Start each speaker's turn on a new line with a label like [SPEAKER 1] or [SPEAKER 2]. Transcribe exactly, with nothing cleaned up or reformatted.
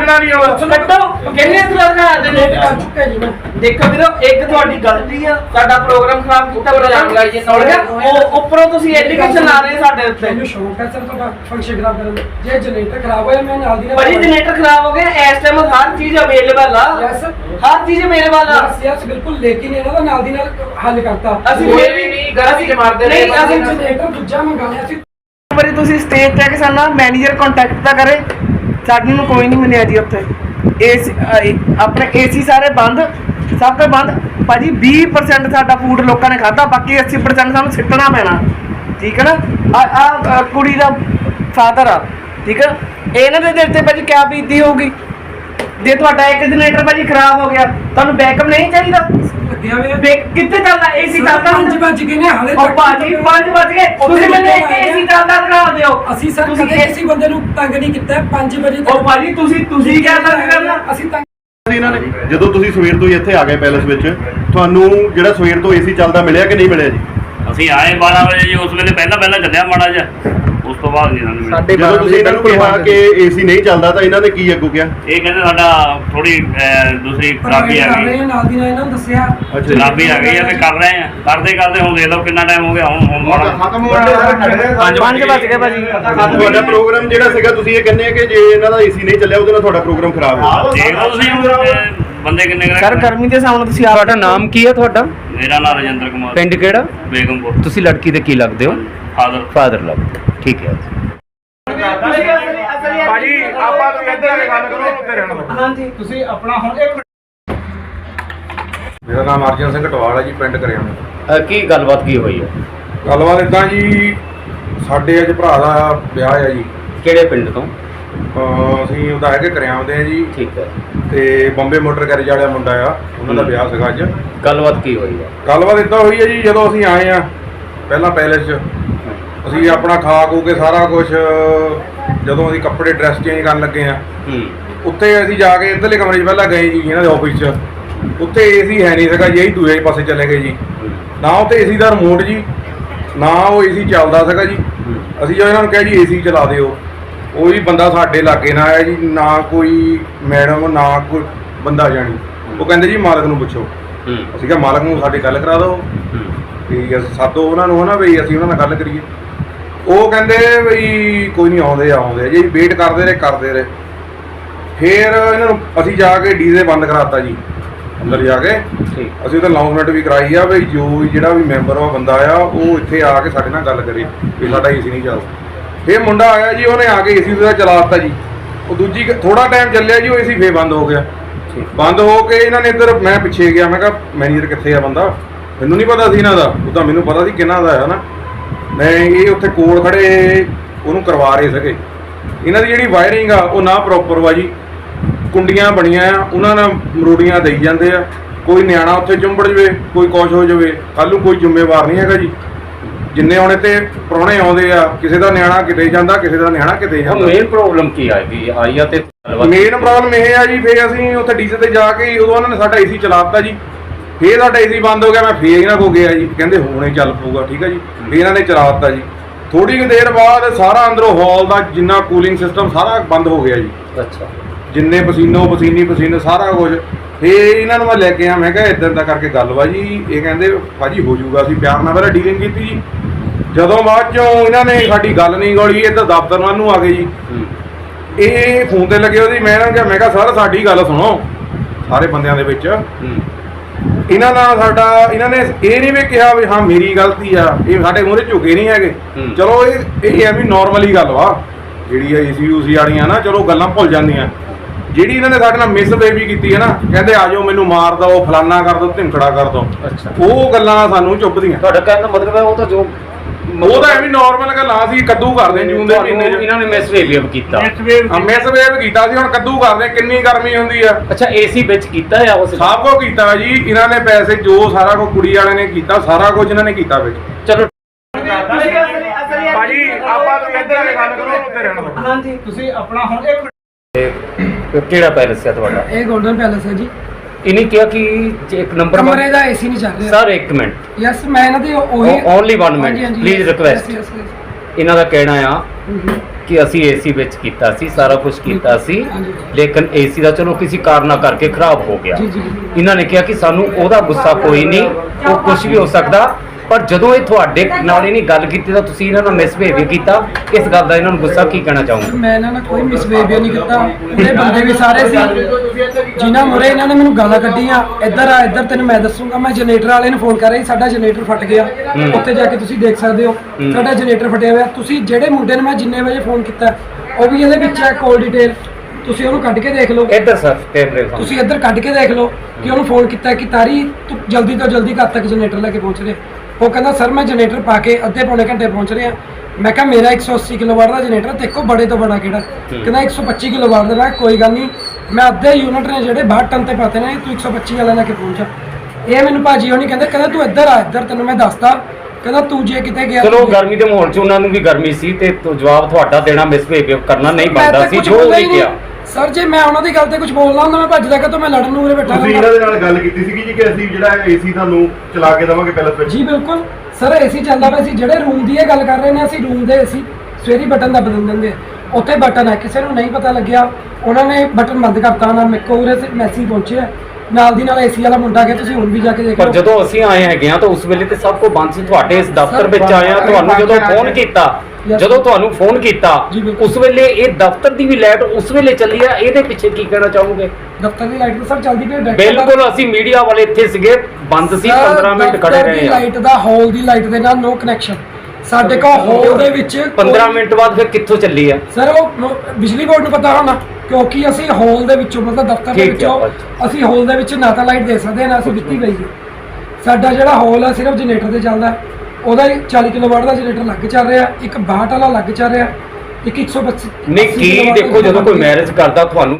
[SPEAKER 1] ਕੱਟਣਾ ਨਹੀਂ ਆਉਂਦਾ।
[SPEAKER 2] ਕੱਟੋ ਕਿੰਨੇ ਤਰ੍ਹਾਂ ਦੇ ਨੇ ਦੇਖੋ ਵੀਰੋ, ਇੱਕ ਤੁਹਾਡੀ ਗਲਤੀ ਆ, ਸਾਡਾ ਪ੍ਰੋਗਰਾਮ ਖਰਾਬ ਕੀਤਾ ਬੜਾ ਜੀ ਸੁਣ ਗਿਆ। ਉਹ ਉੱਪਰੋਂ ਤੁਸੀਂ ਐਲੀਗੇਸ਼ਨ ਲਾ ਰਹੇ ਸਾਡੇ ਉੱਤੇ।
[SPEAKER 3] ਮੈਨੂੰ ਸ਼ੌਂਕ ਹੈ ਸਰ ਤੁਹਾਡਾ ਫੰਕਸ਼ਨ ਖਰਾਬ ਕਰਨ ਦਾ। ਜੇ ਜਨਰੇਟਰ ਖਰਾਬ ਹੋਇਆ ਮੈਂ ਨਾਲ ਦੀ ਨਾਲ
[SPEAKER 2] ਬੜੀ ਜਨਰੇਟਰ ਖਰਾਬ ਹੋ ਗਿਆ, ਇਸ ਟਾਈਮ ਹਰ ਚੀਜ਼ ਅਵੇਲੇਬਲ ਆ।
[SPEAKER 3] ਯੈਸ
[SPEAKER 2] ਹਰ ਚੀਜ਼ ਅਵੇਲੇਬਲ ਆ।
[SPEAKER 3] ਯੈਸ ਯੈਸ ਬਿਲਕੁਲ, ਲੇਕਿਨ ਇਹਨਾਂ ਦਾ ਨਾਲ ਦੀ ਨਾਲ ਹੱਲ ਕਰਤਾ।
[SPEAKER 2] ਅਸੀਂ ਫੇਰ ਵੀ ਨਹੀਂ ਗਲਤੀ ਚ ਮਾਰਦੇ
[SPEAKER 3] ਨਹੀਂ, ਅਸੀਂ ਜਨਰੇਟਰ ਦੂਜਾ ਮੰਗਾ ਲਿਆ ਸੀ।
[SPEAKER 2] ਵਾਰੀ ਤੁਸੀਂ ਸਟੇਜ ਤੇ ਆ ਕੇ ਸਾਡਾ ਮੈਨੇਜਰ ਕੰਟੈਕਟ ਤਾਂ ਕਰੇ, ਸਾਡੀ ਨੂੰ ਕੋਈ ਨਹੀਂ ਮਿਲਿਆ ਜੀ ਉੱਥੇ। ਏਸੀ ਆਪਣੇ ਏਸੀ ਸਾਰੇ ਬੰਦ, ਸਭ ਕੁਝ ਬੰਦ ਭਾਜੀ। ਵੀਹ ਪਰਸੈਂਟ ਸਾਡਾ ਫੂਡ ਲੋਕਾਂ ਨੇ ਖਾਧਾ, ਬਾਕੀ ਅੱਸੀ ਪਰਸੈਂਟ ਸਾਨੂੰ ਸਿੱਟਣਾ ਪੈਣਾ, ਠੀਕ ਹੈ ਨਾ। ਆ ਆ ਕੁੜੀ ਦਾ ਫਾਦਰ ਆ, ਠੀਕ ਹੈ। ਇਹਨਾਂ ਦੇ ਦਿਲ ਤੇ ਭਾਜੀ ਕਿਆ ਬੀਤੀ ਹੋਊਗੀ ਜੇ ਤੁਹਾਡਾ ਇੱਕ ਜਨਰੇਟਰ ਭਾਜੀ ਖਰਾਬ ਹੋ ਗਿਆ। ਤੁਹਾਨੂੰ ਬੈਕਅਪ ਨਹੀਂ ਚਾਹੀਦਾ?
[SPEAKER 3] ਲੱਗਿਆ ਵੇ
[SPEAKER 2] ਕਿੱਥੇ ਚੱਲਦਾ ਏਸੀ? ਚੱਲਦਾ
[SPEAKER 3] ਪੰਜ ਵੱਜ ਗਏ ਨੇ ਹਾਲੇ
[SPEAKER 2] ਤੱਕ ਭਾਜੀ, ਪੰਜ ਵੱਜ ਗਏ। ਤੁਸੀਂ ਮੈਨੂੰ ਇੱਕ ਏਸੀ ਚੱਲਦਾ ਦਿਖਾ ਦਿਓ।
[SPEAKER 3] ਅਸੀਂ ਸਰ ਕਦੇ ਕਿਸੇ ਬੰਦੇ ਨੂੰ ਤੰਗ ਨਹੀਂ ਕੀਤਾ। ਪੰਜ ਵਜੇ
[SPEAKER 2] ਉਹ ਭਾਜੀ ਤੁਸੀਂ ਤੁਸੀਂ ਕਿਆ ਤੰਗ ਕਰਨਾ?
[SPEAKER 3] ਅਸੀਂ ਤੰਗ
[SPEAKER 1] ਇਹਨਾਂ ਨੇ ਜਦੋਂ ਤੁਸੀਂ ਸਵੇਰ ਤੋਂ ਹੀ ਇੱਥੇ ਆ ਗਏ ਪੈਲਸ ਵਿੱਚ, ਤੁਹਾਨੂੰ ਜਿਹੜਾ ਸਵੇਰ ਤੋਂ ਏਸੀ ਚੱਲਦਾ ਮਿਲਿਆ ਕਿ ਨਹੀਂ ਮਿਲਿਆ ਜੀ?
[SPEAKER 4] ਅਸੀਂ ਆਏ ਬਾਰਾਂ ਵਜੇ ਜੀ, ਉਸ ਵੇਲੇ ਪਹਿਲਾਂ ਪਹਿਲਾਂ ਚੱਲਿਆ ਮਾੜਾ ਜਿਹਾ, ਉਸ ਤੋਂ ਬਾਅਦ ਨਹੀਂ ਸਾਨੂੰ ਮਿਲਿਆ।
[SPEAKER 1] ਜਦੋਂ ਤੁਸੀਂ ਇਹਨਾਂ ਨੂੰ ਕਿਹਾ ਕਿ ਏਸੀ ਨਹੀਂ ਚੱਲਦਾ ਤਾਂ ਇਹਨਾਂ ਨੇ ਕੀ ਅੱਗੋਂ ਕਿਹਾ?
[SPEAKER 4] ਇਹ ਕਹਿੰਦੇ ਸਾਡਾ ਥੋੜੀ ਦੂਸਰੀ ਖਰਾਬੀ ਆ ਗਈ,
[SPEAKER 3] ਨਾਲ ਦੀ ਨਾਲ ਇਹਨਾਂ ਨੂੰ ਦੱਸਿਆ
[SPEAKER 4] ਖਰਾਬੀ ਆ ਗਈ ਆ ਤੇ ਕਰ ਰਹੇ ਆ। ਕਰਦੇ ਕਰਦੇ ਹੁਣ ਦੇਖ ਲਓ ਕਿੰਨਾ ਟਾਈਮ ਹੋ ਗਿਆ। ਹੁਣ ਹੁਣ
[SPEAKER 1] ਖਤਮ ਹੋ ਗਿਆ।
[SPEAKER 2] ਪੰਜ ਵੱਜ ਗਏ ਭਾਜੀ।
[SPEAKER 1] ਤੁਹਾਡਾ ਪ੍ਰੋਗਰਾਮ ਜਿਹੜਾ ਸੀਗਾ, ਤੁਸੀਂ ਇਹ ਕਹਿੰਦੇ ਆ ਕਿ ਜੇ ਇਹਨਾਂ ਦਾ ਏਸੀ ਨਹੀਂ ਚੱਲਿਆ ਉਹਦੇ ਨਾਲ ਤੁਹਾਡਾ ਪ੍ਰੋਗਰਾਮ ਖਰਾਬ ਹੋ ਗਿਆ।
[SPEAKER 4] ਦੇਖ ਲਓ ਤੁਸੀਂ ਹੁਣ ਬੰਦੇ ਕਿੰਨੇ ਕੁ
[SPEAKER 2] ਸਰ ਗਰਮੀ ਦੇ ਸਾਹਮਣੇ ਤੁਸੀਂ ਆਪ
[SPEAKER 5] ਤੁਹਾਡਾ ਨਾਮ ਕੀ ਹੈ ਤੁਹਾਡਾ?
[SPEAKER 4] ਮੇਰਾ ਨਾਮ ਰਜਿੰਦਰ ਕੁਮਾਰ,
[SPEAKER 5] ਪਿੰਡ ਕਿਹੜਾ?
[SPEAKER 4] ਬੇਗਮਪੁਰ।
[SPEAKER 5] ਤੁਸੀਂ ਲੜਕੀ ਦੇ ਕੀ ਲੱਗਦੇ ਹੋ?
[SPEAKER 4] ਫਾਦਰ
[SPEAKER 5] ਫਾਦਰ ਲੱਗਦੇ, ਠੀਕ ਹੈ।
[SPEAKER 1] ਭਾਜੀ ਆਪਾਂ ਤੋਂ ਇੱਧਰ ਆ ਕੇ ਗੱਲ ਕਰੋ, ਉੱਤੇ ਰਹਿਣ ਦਿਓ।
[SPEAKER 2] ਹਾਂਜੀ
[SPEAKER 3] ਤੁਸੀਂ ਆਪਣਾ ਹੁਣ ਇੱਕ
[SPEAKER 6] ਮੇਰਾ ਨਾਮ ਅਰਜਨ ਸਿੰਘ ਟਵਾਲ ਹੈ ਜੀ, ਪਿੰਡ ਕਰਿਆਣਾ।
[SPEAKER 5] ਅਹ ਕੀ ਗੱਲਬਾਤ ਕੀ ਹੋਈ ਹੈ?
[SPEAKER 6] ਗੱਲਬਾਤ ਇੱਦਾਂ ਜੀ, ਸਾਡੇ ਅੱਜ ਭਰਾ ਦਾ ਵਿਆਹ ਹੈ ਜੀ।
[SPEAKER 5] ਕਿਹੜੇ ਪਿੰਡ ਤੋਂ?
[SPEAKER 6] ਅਹ ਅਸੀਂ ਉਹਦਾ ਹੈਗੇ ਕਰਿਆਮ ਦੇ ਜੀ,
[SPEAKER 5] ਠੀਕ ਹੈ।
[SPEAKER 6] ਤੇ ਬੰਬੇ ਮੋਟਰ ਗੈਰੇਜ ਵਾਲਾ ਮੁੰਡਾ ਆ, ਉਹਨਾਂ ਦਾ ਵਿਆਹ ਸੀਗਾ ਅੱਜ।
[SPEAKER 5] ਗੱਲਬਾਤ ਕੀ ਹੋਈ ਹੈ?
[SPEAKER 6] ਗੱਲਬਾਤ ਇੱਦਾਂ ਹੋਈ ਹੈ ਜੀ, ਜਦੋਂ ਅਸੀਂ ਆਏ ਆ ਪਹਿਲਾਂ ਪੈਲੇਸ 'ਚ, ਅਸੀਂ ਆਪਣਾ ਖਾ ਖੂ ਕੇ ਸਾਰਾ ਕੁਝ, ਜਦੋਂ ਅਸੀਂ ਕੱਪੜੇ ਡਰੈਸ ਚੇਂਜ ਕਰਨ ਲੱਗੇ ਆ,
[SPEAKER 5] ਹੂੰ
[SPEAKER 6] ਉੱਥੇ ਅਸੀਂ ਜਾ ਕੇ ਇੱਧਰਲੇ ਕਮਰੇ 'ਚ ਪਹਿਲਾਂ ਗਏ ਜੀ ਇਹਨਾਂ ਦੇ ਆਫਿਸ 'ਚ। ਉੱਥੇ ਏਸੀ ਹੈ ਨਹੀਂ ਸੀਗਾ ਜੀ, ਅਸੀਂ ਦੂਜੇ ਪਾਸੇ ਚਲੇ ਗਏ ਜੀ। ਨਾ ਉੱਥੇ ਏਸੀ ਦਾ ਰਿਮੋਟ ਜੀ, ਨਾ ਉਹ ਏਸੀ ਚੱਲਦਾ ਸੀਗਾ ਜੀ। ਅਸੀਂ ਜੋ ਇਹਨਾਂ ਨੂੰ ਕਿਹਾ ਜੀ ਏਸੀ ਚਲਾ ਦਿਓ, ਉਹ ਵੀ ਬੰਦਾ ਸਾਡੇ ਲਾਗੇ ਨਾ ਆਇਆ ਜੀ, ਨਾ ਕੋਈ ਮੈਡਮ ਨਾ ਕੋਈ ਬੰਦਾ ਜਾਣੀ। ਉਹ ਕਹਿੰਦੇ ਜੀ ਮਾਲਕ ਨੂੰ ਪੁੱਛੋ। ਅਸੀਂ ਕਿਹਾ ਮਾਲਕ ਨੂੰ ਸਾਡੇ ਗੱਲ ਕਰਾ ਦਿਓ ਵੀ ਅਸੀਂ ਸਾਤੋਂ ਉਹਨਾਂ ਨੂੰ ਹਨਾ ਵੀ ਅਸੀਂ ਉਹਨਾਂ ਨਾਲ ਗੱਲ ਕਰੀਏ। ਉਹ ਕਹਿੰਦੇ ਵੀ ਕੋਈ ਨਹੀਂ, ਆਉਂਦੇ ਆਉਂਦੇ ਜੀ। ਵੇਟ ਕਰਦੇ ਰਹੇ ਕਰਦੇ ਰਹੇ ਫਿਰ ਇਹਨਾਂ ਨੂੰ ਅਸੀਂ ਜਾ ਕੇ ਡੀਜ਼ੇ ਬੰਦ ਕਰਾਤਾ ਜੀ ਅੰਦਰ ਜਾ ਕੇ। ਅਸੀਂ ਉਹਦਾ ਅਨਾਉਂਸਮੈਂਟ ਵੀ ਕਰਾਈ ਆ ਵੀ ਜੋ ਵੀ ਜਿਹੜਾ ਵੀ ਮੈਂਬਰ ਆ ਬੰਦਾ ਆ ਉਹ ਇੱਥੇ ਆ ਕੇ ਸਾਡੇ ਨਾਲ ਗੱਲ ਕਰੇ ਵੀ ਸਾਡਾ ਏਸੀ ਨਹੀਂ ਚੱਲਦਾ। ਫਿਰ ਮੁੰਡਾ ਆਇਆ ਜੀ, ਉਹਨੇ ਆ ਕੇ ਏਸੀ ਉਹਦਾ ਚਲਾ ਦਿੱਤਾ ਜੀ। ਉਹ ਦੂਜੀ ਥੋੜਾ ਟਾਈਮ ਚੱਲਿਆ ਜੀ, ਉਹ ਏਸੀ ਫੇਰ ਬੰਦ ਹੋ ਗਿਆ। ਬੰਦ ਹੋ ਕੇ ਇਹਨਾਂ ਨੇ ਇੱਧਰ, ਮੈਂ ਪਿੱਛੇ ਗਿਆ, ਮੈਂ ਕਿਹਾ ਮੈਨੇਜਰ ਕਿੱਥੇ ਆ ਬੰਦਾ? ਮੈਨੂੰ ਨਹੀਂ ਪਤਾ ਸੀ ਇਹਨਾਂ ਦਾ, ਉਹ ਤਾਂ ਮੈਨੂੰ ਪਤਾ ਸੀ ਕਿਹਨਾਂ ਦਾ ਹੈ ਨਾ। ਮੈਂ ਇਹ ਉੱਥੇ ਕੋਲ ਖੜੇ ਉਹਨੂੰ ਕਰਵਾ ਰਹੇ ਸੀਗੇ। ਇਹਨਾਂ ਦੀ ਜਿਹੜੀ ਵਾਇਰਿੰਗ ਆ ਉਹ ਨਾ ਪ੍ਰੋਪਰ ਵਾ ਜੀ, ਕੁੰਡੀਆਂ ਬਣੀਆਂ ਆ, ਉਹਨਾਂ ਨਾਲ ਮਰੋੜੀਆਂ ਦੇਈ ਜਾਂਦੇ ਆ। ਕੋਈ ਨਿਆਣਾ ਉੱਥੇ ਚੁੰਬੜ ਜਵੇ, ਕੋਈ ਕੁਛ ਹੋ ਜਾਵੇ, ਕੱਲ੍ਹ ਨੂੰ ਕੋਈ ਜ਼ਿੰਮੇਵਾਰ ਨਹੀਂ ਹੈਗਾ ਜੀ। ਜਿੰਨੇ ਆਉਣੇ ਤੇ ਪ੍ਰਾਹੁਣੇ ਆਉਂਦੇ ਆ, ਕਿਸੇ ਦਾ ਨਿਆਣਾ ਕਿਤੇ ਜਾਂਦਾ, ਕਿਸੇ ਦਾ ਨਿਆਣਾ ਕਿਤੇ ਜਾਂਦਾ।
[SPEAKER 5] ਮੇਨ ਪ੍ਰੋਬਲਮ ਕੀ ਆਏਗੀ ਆਈ ਆ ਤੇ
[SPEAKER 6] ਮੇਨ ਪ੍ਰੋਬਲਮ ਇਹ ਆ ਜੀ, ਫਿਰ ਅਸੀਂ ਉੱਥੇ ਡੀਜ਼ੇ ਤੇ ਜਾ ਕੇ ਉਦੋਂ ਉਹਨਾਂ ਨੇ ਸਾਡਾ ਏਸੀ ਚਲਾ ਦਿੱਤਾ ਜੀ। ਫਿਰ ਸਾਡਾ ਏਸੀ ਬੰਦ ਹੋ ਗਿਆ। ਮੈਂ ਫੇਰ ਇਹਨਾਂ ਕੋਲ ਗਿਆ ਜੀ, ਕਹਿੰਦੇ ਹੁਣੇ ਚੱਲ ਪਊਗਾ, ਠੀਕ ਹੈ ਜੀ। ਫਿਰ ਇਹਨਾਂ ਨੇ ਚਲਾ ਦਿੱਤਾ ਜੀ। ਥੋੜੀ ਕੁ ਦੇਰ ਬਾਅਦ ਸਾਰਾ ਅੰਦਰੋਂ ਹਾਲ ਦਾ ਜਿੰਨਾ ਕੂਲਿੰਗ ਸਿਸਟਮ ਸਾਰਾ ਬੰਦ ਹੋ ਗਿਆ ਜੀ।
[SPEAKER 5] ਅੱਛਾ,
[SPEAKER 6] ਜਿੰਨੇ ਪਸੀਨੋ ਪਸੀਨੀ ਪਸੀਨੇ ਸਾਰਾ ਕੁਝ। ਫਿਰ ਇਹਨਾਂ ਨੂੰ ਮੈਂ ਲੈ ਕੇ ਆ, ਮੈਂ ਕਿਹਾ ਇੱਦਾਂ ਦਾ ਕਰਕੇ ਗੱਲ ਵਾ ਜੀ। ਇਹ ਕਹਿੰਦੇ ਭਾਜੀ ਹੋ ਜਾਊਗਾ। ਅਸੀਂ ਪਿਆਰ ਨਾਲ ਪਹਿਲਾਂ ਡੀਲਿੰਗ ਕੀਤੀ ਜੀ। ਜਦੋਂ ਬਾਅਦ ਚੋਂ ਇਹਨਾਂ ਨੇ ਸਾਡੀ ਗੱਲ ਨਹੀਂ ਗੋਲੀ, ਇੱਧਰ ਦਫ਼ਤਰ ਵੱਲ ਨੂੰ ਆ ਗਏ ਜੀ। ਇਹ ਫੋਨ ਤੇ ਲੱਗੇ ਉਹਦੀ, ਮੈਂ ਇਹਨਾਂ ਨੂੰ ਕਿਹਾ, ਮੈਂ ਕਿਹਾ ਸਰ ਸਾਡੀ ਗੱਲ ਸੁਣੋ ਸਾਰੇ ਬੰਦਿਆਂ ਦੇ ਵਿੱਚ। ਇਹਨਾਂ ਨਾਲ ਸਾਡਾ, ਇਹਨਾਂ ਨੇ ਇਹ ਨਹੀਂ ਵੀ ਕਿਹਾ ਵੀ ਹਾਂ ਮੇਰੀ ਗਲਤੀ ਆ, ਇਹ ਸਾਡੇ ਮੂਹਰੇ ਝੁਕੇ ਨਹੀਂ ਹੈਗੇ। ਚਲੋ ਇਹ ਇਹ ਹੈ ਵੀ ਨਾਰਮਲੀ ਗੱਲ ਵਾ ਜਿਹੜੀ ਆ ਏਸੀ ਯੂਸੀ ਵਾਲੀਆਂ ਨਾ, ਚਲੋ ਗੱਲਾਂ ਭੁੱਲ ਜਾਂਦੀਆਂ। ਜਿਹੜੀ ਇਹਨਾਂ ਨੇ ਸਾਡੇ ਨਾਲ ਮਿਸ ਬੇਬੀ ਕੀਤੀ ਹੈ ਨਾ, ਕਹਿੰਦੇ ਆ ਜਾਓ ਮੈਨੂੰ ਮਾਰ ਦੋ, ਫਲਾਨਾ ਕਰ ਦੋ, ਧਿਮਕੜਾ ਕਰ ਦੋ, ਉਹ ਗੱਲਾਂ ਸਾਨੂੰ ਚੁੱਭਦੀਆਂ।
[SPEAKER 5] ਤੁਹਾਡਾ ਕਹਿਣ ਦਾ ਮਤਲਬ ਹੈ ਉਹ ਤਾਂ ਜੋ
[SPEAKER 6] ਉਹ ਤਾਂ ਐਵੇਂ ਨਾਰਮਲ ਗੱਲਾਂ ਸੀ, ਕੱਦੂ ਕਰਦੇ ਜੂਨ ਦੇ ਮਹੀਨੇ 'ਚ।
[SPEAKER 5] ਇਹਨਾਂ ਨੇ ਮਿਸਬਿਹੇਵ ਕੀਤਾ,
[SPEAKER 6] ਮਿਸਬਿਹੇਵ ਕੀਤਾ ਸੀ। ਹੁਣ ਕੱਦੂ ਕਰਦੇ, ਕਿੰਨੀ ਗਰਮੀ ਹੁੰਦੀ ਆ।
[SPEAKER 5] ਅੱਛਾ ਏਸੀ ਵਿੱਚ ਕੀਤਾ ਆ ਉਸ
[SPEAKER 6] ਸਭ ਕੁਝ ਕੀਤਾ ਜੀ ਇਹਨਾਂ ਨੇ। ਪੈਸੇ ਜੋ ਸਾਰਾ ਕੁਝ ਕੁੜੀ ਵਾਲਿਆਂ ਨੇ ਕੀਤਾ, ਸਾਰਾ ਕੁਝ ਇਹਨਾਂ ਨੇ ਕੀਤਾ ਵਿੱਚ।
[SPEAKER 5] ਚਲੋ
[SPEAKER 1] ਭਾਜੀ ਆਪਾਂ ਤੋਂ ਇੱਧਰ ਆ ਕੇ ਗੱਲ ਕਰੋ, ਉੱਤੇ ਰਹਿਣ ਦਿਓ।
[SPEAKER 2] ਹਾਂਜੀ
[SPEAKER 3] ਤੁਸੀਂ ਆਪਣਾ ਹੁਣ ਇੱਕ
[SPEAKER 5] ਕਿਹੜਾ ਪੈਲਸ ਹੈ ਤੁਹਾਡਾ?
[SPEAKER 3] ਇਹ ਗੋਲਡਨ ਪੈਲਸ ਹੈ ਜੀ।
[SPEAKER 5] ਇਹਨੇ ਕਿਹਾ ਕਿ ਇੱਕ ਨੰਬਰ
[SPEAKER 3] ਕਮਰੇ ਦਾ ਏਸੀ ਨਹੀਂ ਚੱਲ ਰਿਹਾ
[SPEAKER 5] ਸਰ। ਇੱਕ ਮਿੰਟ,
[SPEAKER 3] ਯੈਸ ਮੈਂ ਇਹਨਾਂ ਦੇ ਉਹੀ
[SPEAKER 5] only one minute please request. ਇਹਨਾਂ ਦਾ ਕਹਿਣਾ ਆ ਕਿ ਅਸੀਂ ਏਸੀ ਵਿੱਚ ਕੀਤਾ ਸੀ, ਸਾਰਾ ਕੁਝ ਕੀਤਾ ਸੀ,
[SPEAKER 3] ਹਾਂਜੀ।
[SPEAKER 5] ਲੇਕਿਨ ਏਸੀ ਦਾ ਚਲੋ ਕਿਸੇ ਕਾਰਨਾਂ ਕਰਕੇ ਖਰਾਬ ਹੋ ਗਿਆ।
[SPEAKER 3] ਜੀ, ਜੀ।
[SPEAKER 5] ਇਹਨਾਂ ਨੇ ਕਿਹਾ ਕਿ ਸਾਨੂੰ ਉਹਦਾ ਗੁੱਸਾ ਕੋਈ ਨਹੀਂ, ਉਹ ਕੁਝ ਵੀ ਹੋ ਸਕਦਾ, ਪਰ ਜਦੋਂ ਇਹ ਤੁਹਾਡੇ ਨਾਲ ਇਹਨੇ ਗੱਲ ਕੀਤੀ ਤਾਂ ਤੁਸੀਂ ਇਹਨਾਂ ਨਾਲ ਮਿਸਬਿਹੇਵ ਕੀਤਾ। ਇਸ ਗੱਲ ਦਾ ਇਹਨਾਂ ਨੂੰ ਗੁੱਸਾ ਕੀ ਕਹਿਣਾ ਚਾਹੋਗੇ?
[SPEAKER 3] ਮੈਂ ਇਹਨਾਂ ਨਾਲ ਕੋਈ ਮਿਸਬਿਹੇਵੀਅਰ ਨਹੀਂ ਕੀਤਾ। ਉਹਦੇ ਬੰਦੇ ਵੀ ਸਾਰੇ ਸੀ ਜਿਨ੍ਹਾਂ ਮੁਰੇ ਇਹਨਾਂ ਨੇ ਮੈਨੂੰ ਗਾਲਾਂ ਕੱਢੀਆਂ, ਇੱਧਰ ਆ ਇੱਧਰ ਤੈਨੂੰ ਮੈਂ ਦੱਸੂਗਾ। ਮੈਂ ਜਨਰੇਟਰ ਵਾਲੇ ਨੂੰ ਫੋਨ ਕਰ ਰਹੀ, ਸਾਡਾ ਜਨਰੇਟਰ ਫਟ ਗਿਆ, ਉੱਥੇ ਜਾ ਕੇ ਤੁਸੀਂ ਦੇਖ ਸਕਦੇ ਹੋ ਸਾਡਾ ਜਨਰੇਟਰ ਫਟਿਆ ਹੋਇਆ। ਤੁਸੀਂ ਜਿਹੜੇ ਮੁੰਡੇ ਨੂੰ ਮੈਂ ਜਿੰਨੇ ਵਜੇ ਫੋਨ ਕੀਤਾ ਉਹ ਵੀ ਇਹਦੇ ਵਿੱਚ ਹੈ ਕਾਲ ਡਿਟੇਲ, ਤੁਸੀਂ ਉਹਨੂੰ ਕੱਢ ਕੇ ਦੇਖ ਲਓ।
[SPEAKER 5] ਇੱਧਰ ਸਰ ਕੈਮਰੇ ਸਾਹਮਣੇ।
[SPEAKER 3] ਤੁਸੀਂ ਇੱਧਰ ਕੱਢ ਕੇ ਦੇਖ ਲਓ ਕਿ ਉਹਨੂੰ ਫੋਨ ਕੀਤਾ ਕਿ ਤਾਰੀ ਤੂੰ ਜਲਦੀ ਤੋਂ ਜਲਦੀ ਕਦ ਤੱਕ ਜਨਰੇਟਰ ਲੈ ਕੇ ਪਹੁੰਚ ਰਿਹਾ। ਉਹ ਕਹਿੰਦਾ ਸਰ ਮੈਂ ਜਨਰੇਟਰ ਪਾ ਕੇ ਅੱਧੇ ਪੌਣੇ ਘੰਟੇ ਪਹੁੰਚ ਰਿਹਾ। ਮੈਂ ਕਿਹਾ ਮੇਰਾ ਇੱਕ ਸੌ ਅੱਸੀ ਕਿਲੋਵਾਟ ਦਾ ਜਨਰੇਟਰ ਦੇਖੋ ਬੜੇ ਤੋਂ ਬੜਾ ਕਿਹੜਾ। ਕਹਿੰਦਾ ਇੱਕ ਸੌ ਪੱਚੀ ਕਿਲੋਵਾਟ ਦਾ। ਮੈਂ ਕੋਈ ਗੱਲ ਨਹੀਂ, ਮੈਂ ਅੱਧੇ ਯੂਨਿਟ ਨੇ ਜਿਹੜੇ ਬਾਹਠ ਟਨ ਤੇ ਪਾਤੇ ਨੇ, ਤੂੰ ਇੱਕ ਸੌ ਪੱਚੀ ਵਾਲਾ ਲੈ ਕੇ ਪਹੁੰਚਾ। ਇਹ ਮੈਨੂੰ ਭਾਜੀ ਉਹ ਨਹੀਂ ਕਹਿੰਦੇ, ਕਹਿੰਦਾ ਤੂੰ ਇੱਧਰ ਆ ਇੱਧਰ ਤੈਨੂੰ ਮੈਂ ਦੱਸਦਾ। ਕਹਿੰਦਾ ਤੂੰ ਜੇ ਕਿਤੇ ਗਿਆ
[SPEAKER 5] ਚਲੋ ਗਰਮੀ ਦੇ ਮਾਹੌਲ 'ਚ ਉਹਨਾਂ ਨੂੰ ਵੀ ਗਰਮੀ ਸੀ ਤੇ ਤੋ ਜਵਾਬ ਤੁਹਾਡਾ ਦੇਣਾ ਮਿਸਬਿਹੇਵ ਕਰਨਾ ਨਹੀਂ
[SPEAKER 3] ਮੈਂ
[SPEAKER 5] ਬਣਦਾ
[SPEAKER 3] ਤਾਂ
[SPEAKER 5] ਸੀ
[SPEAKER 3] ਕੁਛ
[SPEAKER 5] ਜੋ
[SPEAKER 3] ਬੋਲਿਆ
[SPEAKER 5] ਉਹਨੇ
[SPEAKER 3] ਹੀ ਨਹੀਂ।
[SPEAKER 5] ਕਿਹਾ।
[SPEAKER 3] ਸਰ ਜੇ ਮੈਂ ਉਹਨਾਂ ਦੀ ਗੱਲ ਤੇ ਕੁਝ ਬੋਲਦਾ ਹੁੰਦਾ ਮੈਂ ਭੱਜਦਾ ਕਿ ਮੈਂ ਲੜਨ ਨੂੰ ਉਰੇ ਬੈਠਾ
[SPEAKER 1] ਤੁਸੀਂ
[SPEAKER 3] ਹੁੰਦਾ।
[SPEAKER 1] ਇਹਨਾਂ ਦੇ ਨਾਲ ਗੱਲ ਕੀਤੀ ਸੀਗੀ ਜੀ ਕਿ ਅਸੀਂ ਜਿਹੜਾ ਏਸੀ ਤੁਹਾਨੂੰ ਚਲਾ ਕੇ ਦੇਵਾਂਗੇ ਪੈਲਸ ਵਿੱਚ?
[SPEAKER 3] ਜੀ ਬਿਲਕੁਲ ਸਰ, ਏਸੀ ਚੱਲਦਾ ਪਿਆ ਸੀ। ਜਿਹੜੇ ਰੂਮ ਦੀ ਇਹ ਗੱਲ ਕਰ ਰਹੇ ਨੇ, ਅਸੀਂ ਰੂਮ ਦੇ ਏਸੀ ਸਵੇਰੀ ਬਟਨ ਦੱਬ ਦਿੰਦੇ, ਉੱਥੇ ਬਟਨ ਹੈ, ਕਿਸੇ ਨੂੰ ਨਹੀਂ ਪਤਾ ਲੱਗਿਆ, ਉਹਨਾਂ ਨੇ ਬਟਨ ਬੰਦ ਕਰਤਾ ਨਾ। ਮੇਰੇ ਕੋਲ ਉਰੇ ਮੈਸੇਜ ਪਹੁੰਚਿਆ ਨਾਲ ਦੀ ਨਾਲ ਏਸੀ ਵਾਲਾ ਮੁੰਡਾ ਗਿਆ, ਤੁਸੀਂ ਹੁਣ ਵੀ ਜਾ ਕੇ ਦੇਖ
[SPEAKER 5] ਪਰ
[SPEAKER 3] ਲਓ।
[SPEAKER 5] ਜਦੋਂ ਅਸੀਂ ਆਏ ਹੈਗੇ ਆ ਤਾਂ ਉਸ ਵੇਲੇ ਤੇ ਸਭ ਕੁਝ ਬੰਦ ਸੀ। ਤੁਹਾਡੇ ਇਸ ਦਫ਼ਤਰ
[SPEAKER 3] ਸਰ,
[SPEAKER 5] ਵਿੱਚ ਆਏ ਆ, ਤੁਹਾਨੂੰ ਜਦੋਂ ਫੋਨ ਕੀਤਾ
[SPEAKER 3] Yes,
[SPEAKER 5] ਜਦੋਂ ਤੁਹਾਨੂੰ ਫੋਨ ਕੀਤਾ
[SPEAKER 3] ਜੀ, ਬਿਲਕੁਲ।
[SPEAKER 5] ਉਸ ਵੇਲੇ ਇਹ ਦਫ਼ਤਰ ਦੀ ਵੀ ਲਾਈਟ ਉਸ ਵੇਲੇ ਚੱਲੀ ਆ। ਇਹਦੇ ਪਿੱਛੇ ਕੀ ਕਹਿਣਾ ਚਾਹੋਗੇ?
[SPEAKER 3] ਦਫ਼ਤਰ ਦੀ ਲਾਈਟ ਤਾਂ ਸਰ ਚੱਲਦੀ ਪਈ ਹੈ।
[SPEAKER 5] ਬਿਲਕੁਲ ਅਸੀਂ ਮੀਡੀਆ ਵਾਲੇ ਇੱਥੇ ਸੀਗੇ, ਬੰਦ ਸੀ, ਪੰਦਰਾਂ ਮਿੰਟ ਖੜੇ ਰਹੇ ਆ।
[SPEAKER 3] ਲਾਈਟ ਦਾ ਹਾਲ ਦੀ ਲਾਈਟ ਦੇ ਨਾਲ ਨੋ ਕਨੈਕਸ਼ਨ। ਸਾਡੇ ਕੋਲ ਹਾਲ ਦੇ ਵਿੱਚ
[SPEAKER 5] ਪੰਦਰਾਂ
[SPEAKER 3] ਕੋਈ-
[SPEAKER 5] ਮਿੰਟ ਬਾਅਦ ਫਿਰ ਕਿੱਥੋਂ ਚੱਲੀ ਆ?
[SPEAKER 3] ਸਰ ਉਹ ਨੋ- ਬਿਜਲੀ ਬੋਰਡ ਨੂੰ ਪਤਾ ਹੋਣਾ, ਕਿਉਂਕਿ ਅਸੀਂ ਹਾਲ ਦੇ ਵਿੱਚੋਂ ਮਤਲਬ ਦਫ਼ਤਰ ਦੇ
[SPEAKER 5] ਠੀਕ ਹੈ,
[SPEAKER 3] ਵਿੱਚੋਂ
[SPEAKER 5] ਅੱਛਾ।
[SPEAKER 3] ਅਸੀਂ ਹਾਲ ਦੇ ਵਿੱਚ ਨਾ ਤਾਂ ਲਾਈਟ ਦੇ ਸਕਦੇ ਹਾਂ ਨਾ ਅਸੀਂ ਦਿੱਤੀ ਗਈ ਹੈ। ਸਾਡਾ ਜਿਹੜਾ ਹਾਲ ਹੈ ਸਿਰਫ ਜਨਰੇਟਰ ਤੇ ਚੱਲਦਾ, ਉਹਦਾ ਹੀ ਚਾਲੀ ਕਿਲੋਵਾਟ ਦਾ ਜਨਰੇਟਰ ਲੱਗ ਚੱਲ ਰਿਹਾ, ਇੱਕ ਬਾਹਠ ਵਾਲਾ ਲੱਗ ਚੱਲ ਰਿਹਾ, ਇੱਕ ਇੱਕ ਸੌ ਪੱਚੀ
[SPEAKER 5] ਨਹੀਂ ਕੀ ਦੇਖੋ ਜਦੋਂ ਕੋਈ ਮੈਰਿਜ ਕਰਦਾ ਤੁਹਾਨੂੰ